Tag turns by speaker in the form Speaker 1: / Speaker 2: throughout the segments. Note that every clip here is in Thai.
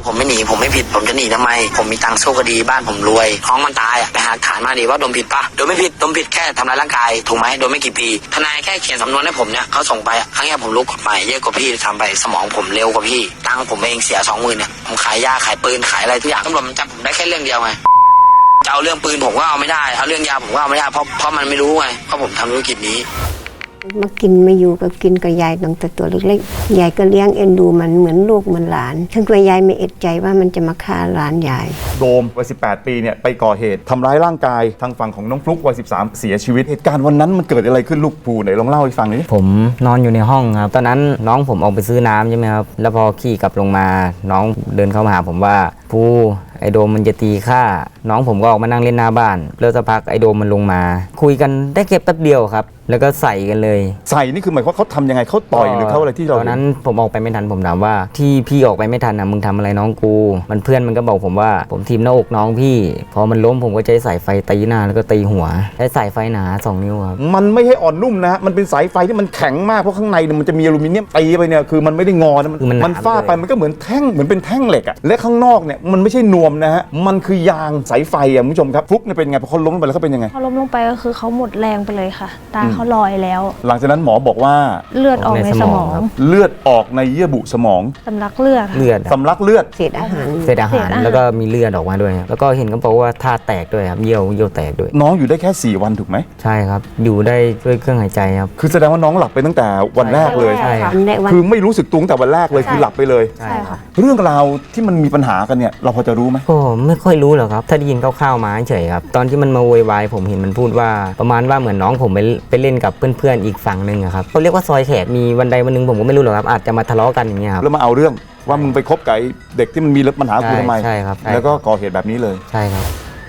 Speaker 1: ผมไม่หนีผมไม่ผิดผมจะหนีทำไมผมมีตังค์สู้คดีบ้านผมรวยท้องมันตายไปหาฐานมาดีว่าโดนผิดปะโดนไม่ผิดโดนผิดแค่ทำร้ายร่างกายถูกไหมโดนไม่กี่ปีทนายแค่เขียนสำนวนให้ผมเนี่ยเขาส่งไปครั้งนี้ผมรู้กฎหมายเยอะกว่าพี่ทำไปสมองผมเร็วกว่าพี่ตังค์ผมเองเสีย20,000เนี่ยผมขายยาขายปืนขายอะไรทุกอย่างตำรวจมันจับผมได้แค่เรื่องเดียวไงจะเอาเรื่องปืนผมก็เอาไม่ได้เอาเรื่องยาผมก็เอาไม่ได้เพราะมันไม่รู้ไงเพราะผมทำธุรกิจนี้
Speaker 2: มากินมาอยู่ก็กินกับยายตั้งแต่ตัวเล็กๆยายก็เลี้ยงเอ็นดูมันเหมือนลูกเหมือนหลานถึงตัวยายไม่เอ็ดใจว่ามันจะมาฆ่าหลานยาย
Speaker 3: โดมวัย18 ปีเนี่ยไปก่อเหตุทำร้ายร่างกายทางฝั่งของน้องฟลุ๊กวัย13เสียชีวิตเหตุการณ์วันนั้นมันเกิดอะไรขึ้นลูกภูไหนลองเล่าให้ฟังหน่อย
Speaker 4: ผมนอนอยู่ในห้องครับตอนนั้นน้องผมออกไปซื้อน้ำใช่ไหมครับแล้วพอขี่กลับลงมาน้องเดินเข้ามาหาผมว่าภูไอโดมมันจะตีฆ่าน้องผมก็ออกมานั่งเล่นหน้าบ้านแล้วสักพักไอโดมมันลงมาคุยกันได้แค่แป๊บเดียวครับแล้วก็ใส่กันเลย
Speaker 3: ใส่นี่คือหมายความว่าเขาทำยังไงเขาต่อยหรือเขาอะไรที่เรา
Speaker 4: ตอนนั้นผมออกไปไม่ทันผมถามว่าที่พี่ออกไปไม่ทันนะมึงทำอะไรน้องกูมันเพื่อนมันก็บอกผมว่าผมทีมหน้าอกน้องพี่พอมันล้มผมก็ใช้สายไฟตีหน้าแล้วก็ตีหัวใช้สายไฟหนา2 นิ้วครับ
Speaker 3: มันไม่ใช่อ่อนนุ่มนะฮะมันเป็นสายไฟที่มันแข็งมากเพราะข้างในมันจะมีอลูมิเนียมตีไปเนี่ยคือมันไม่ได้งอนะมันฟาดไปมันก็เหมือนแท่งเหมือนเป็นแท่งเหล็กอะและข้างนอกเนี่ยมันไม่ใช่นวมนะฮะมันคือยางสายไฟอะคุณผู้ชมครับฟลุ๊กเนี่ยเป็นไงพอเขาล้มลงไปแล้วเขาเป็นยังไง
Speaker 5: พอล้มลงไปก็คือเขาหมดแรงไปเลยค่ะตาเขาลอยแล้ว
Speaker 3: หลังจากนั้นหมอบอกว่า
Speaker 5: เลือดออกในสมอง
Speaker 3: เลือดออกในเยื่อบุสมอง
Speaker 5: สำลักเลือด
Speaker 3: สำลักเลือด
Speaker 2: เศษอาหาร
Speaker 4: แล้วก็มีเลือดออกมาด้วยครับแล้วก็เห็นเขาบอกว่าท่าแตกด้วยครับเยี่ยวแตกด้วย
Speaker 3: น้องอยู่ได้แค่4 วันถูกไหม
Speaker 4: ใช่ครับอยู่ได้ด้วยเครื่องหายใจครับ
Speaker 3: คือแสดงว่าน้องหลับไปตั้งแต่วันแรกเลย
Speaker 4: ใช่ครับ
Speaker 3: คือไม่รู้สึกตัวตั้งแต่วันแรกเลยคือหลับไปเลย
Speaker 5: ใช่ค่ะ
Speaker 3: เรื่องราวที่มันมีปัญหากันเนี่ยเราพอจะรู้ไหม
Speaker 4: ก็ไม่ค่อยรู้หรอกครับถ้าได้ยินคร่าวๆมาเฉยครับตอนที่มันมาโวยวายผมเห็นมันพูดว่าประมาณว่าเหมือนน้องผมไปเล่นกับเพื่อนๆอีกฝั่งนึงครับเขาเรียกว่าซอยแขกมีวันใดวันหนึ่งผมก็ไม่รู้หรอกครับอาจจะมาทะเลาะกันอย่างเงี้ยครับ
Speaker 3: แล้วมาเอาเรื่องว่ามึงไปคบกับเด็กที่มันมีปัญหากูทำไม
Speaker 4: ใช่ครับ
Speaker 3: แล้วก็ก่อเหตุแบบนี้เลย
Speaker 4: ใช่ครับ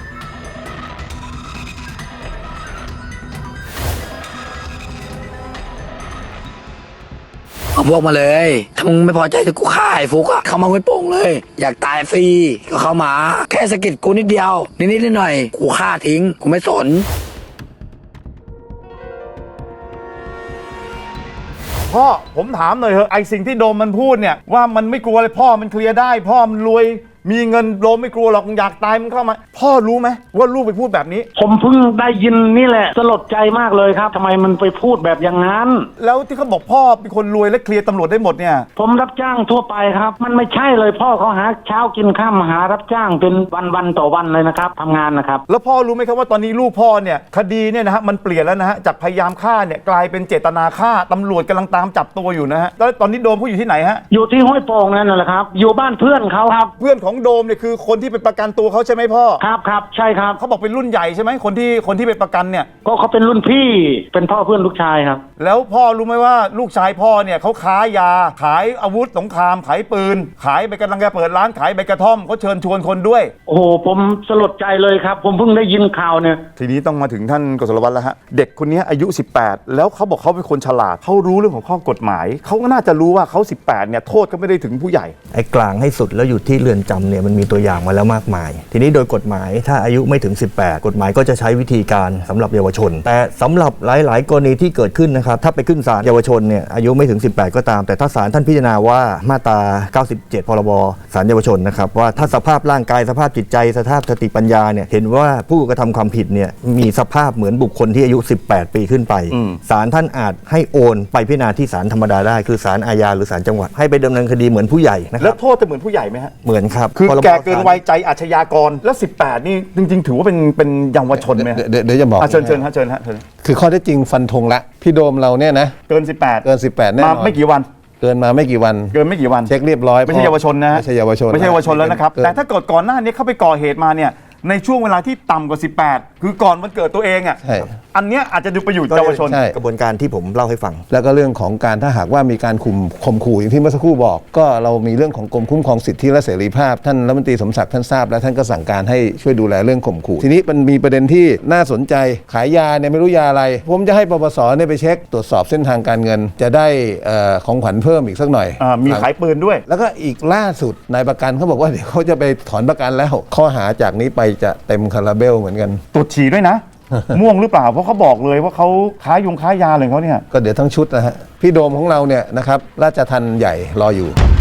Speaker 1: เอาพวกมาเลยถ้ามึงไม่พอใจจะกูฆ่าไอ้ฟุกอะเข้ามาไม่โป่งเลยอยากตายฟรีก็เข้ามาแค่สะกิดกูนิดเดียวนิดหน่อยกูฆ่าทิ้งกูไม่สน
Speaker 3: พ่อผมถามหน่อยเถอะไอสิ่งที่โดมมันพูดเนี่ยว่ามันไม่กลัวเลยพ่อมันเคลียร์ได้พ่อมันรวยมีเงินโดมไม่กลัวหรอกอยากตายมันเข้ามาพ่อรู้ไหมว่าลูกไปพูดแบบนี้
Speaker 6: ผมเพิ่งได้ยินนี่แหละสลดใจมากเลยครับทำไมมันไปพูดแบบอย่างนั้น
Speaker 3: แล้วที่เขาบอกพ่อเป็นคนรวยและเคลียร์ตำรวจได้หมดเนี่ย
Speaker 6: ผมรับจ้างทั่วไปครับมันไม่ใช่เลยพ่อเขาหาเช้ากินข้ามหารับจ้างเป็นวันต่อวันเลยนะครับทำงานนะครับ
Speaker 3: แล้วพ่อรู้ไหมครับว่าตอนนี้ลูกพ่อเนี่ยคดีเนี่ยนะฮะมันเปลี่ยนแล้วนะฮะจากพยายามฆ่าเนี่ยกลายเป็นเจตนาฆ่าตำรวจกำลังตามจับตัวอยู่นะฮะแล้วตอนนี้โดมเขาอยู่ที่ไหนฮะ
Speaker 6: อยู่ที่ห้วยโป่งนั่นแหละครับอยู่บ้านเพื่อนเขาครับ
Speaker 3: เพื่อนของโดมเนี่ยคือคนที่ไปประกันตัวเขาใช่ไหมพ่อ
Speaker 6: ครับใช่ครับ
Speaker 3: เขาบอกเป็นรุ่นใหญ่ใช่ไหมคนที่ไปประกันเนี่ย
Speaker 6: ก็เขาเป็นรุ่นพี่เป็นพ่อเพื่อนลูกชายครับ
Speaker 3: แล้วพ่อรู้ไหมว่าลูกชายพ่อเนี่ยเขาค้ายาขายอาวุธสงครามขายปืนขายไปกำลังจะเปิดร้านขายใบกระท่อมเขาเชิญชวนคนด้วย
Speaker 6: โอ้โหผมสลดใจเลยครับผมเพิ่งได้ยินข่าวเนี่ย
Speaker 3: ทีนี้ต้องมาถึงท่านกฤษณวัฒน์แล้วฮะเด็กคนนี้อายุ18แล้วเขาบอกเขาเป็นคนฉลาดเขารู้เรื่องของข้อกฎหมายเขาก็น่าจะรู้ว่าเขา18เนี่ยโทษก็ไม่ได้ถึงผู้ใหญ่
Speaker 7: ไอ้กลางให้สุดแล้วอยู่ที่เรือนจำเนี่ยมันมีตัวอย่างมาแล้วมากมายทีนี้โดยกฎหมายถ้าอายุไม่ถึง18กฎหมายก็จะใช้วิธีการสำหรับเยาวชนแต่สำหรับหลายๆกรณีที่เกิดขึ้นนะครับถ้าไปขึ้นศาลเยาวชนเนี่ยอายุไม่ถึง18ก็ตามแต่ถ้าศาลท่านพิจารณาว่ามาตรา97พรบศาลเยาวชนนะครับว่าถ้าสภาพร่างกายสภาพจิตใจสภาพสติปัญญาเนี่ยเห็นว่าผู้กระทำความผิดเนี่ยมีสภาพเหมือนบุคคลที่อายุ18ปีขึ้นไปศาลท่านอาจให้โอนไปพิจารณาที่ศาลธรรมดาได้คือศาลอาญาหรือศาลจังหวัดให้ไปดำเนินคดีเหมือนผู้ใหญ่นะครับ
Speaker 3: แล้วโทษจะเหมือนผู้ใหญ่ไหมฮะ
Speaker 7: เหมือนครับ
Speaker 3: คือแก่เกินวัยใจอาชญากรแล้ว18นี่จริงๆถือว่าเป็นเยาวชนไหม
Speaker 8: เดี๋ยวจะบอก
Speaker 3: เชิญฮะ
Speaker 8: คือข้อเท็จจริงฟันธงละพี่โดมเราเนี่ยนะ
Speaker 3: เกิน18
Speaker 8: แน่นอน
Speaker 3: มาไม่กี่วัน
Speaker 8: เกินมาไม่กี่วันเช็คเรียบร้อย
Speaker 3: ไม่ใช่เยาวชนนะ
Speaker 8: ไม่ใช่เยาวชน
Speaker 3: แล้วนะครับแต่ถ้าเกิดก่อนหน้านี้เขาไปก่อเหตุมาเนี่ยในช่วงเวลาที่ต่ำกว่า18คือก่อนวันเกิดตัวเองอ่ะอันเนี้ยอาจจะดูไปอยู่เยาวชน
Speaker 7: กระบวนการที่ผมเล่าให้ฟัง
Speaker 8: แล้วก็เรื่องของการถ้าหากว่ามีการข่มขู่อย่างที่เมื่อสักครู่บอกก็เรามีเรื่องของกรมคุ้มครองสิทธิและเสรีภาพท่านรัฐมนตรีสมศักดิ์ท่านทราบและท่านก็สั่งการให้ช่วยดูแลเรื่องข่มขู่ทีนี้มันมีประเด็นที่น่าสนใจขายยาเนี่ยไม่รู้ยาอะไรผมจะให้ปปสเนี่ยไปเช็คตรวจสอบเส้นทางการเงินจะได้ของขวัญเพิ่มอีกสักหน่อย
Speaker 3: มีขายปืนด้วย
Speaker 8: แล้วก็อีกล่าสุดนายประกันเขาบอกว่าเดี๋ยวเขาจะไปถอนประกันแล้วข้อหาจากนี้ไปจะเต็มคาราเบลเหมือนกัน
Speaker 3: ตรวจฉี่ด้วยนะ ม่วงหรือเปล่าเพราะเขาบอกเลยว่าเขาค้ายาเลยเขาเนี่ย
Speaker 8: ก็เดี๋ยวทั้งชุดนะฮะพี่โดมของเราเนี่ยนะครับราชทัณฑ์ใหญ่รออยู่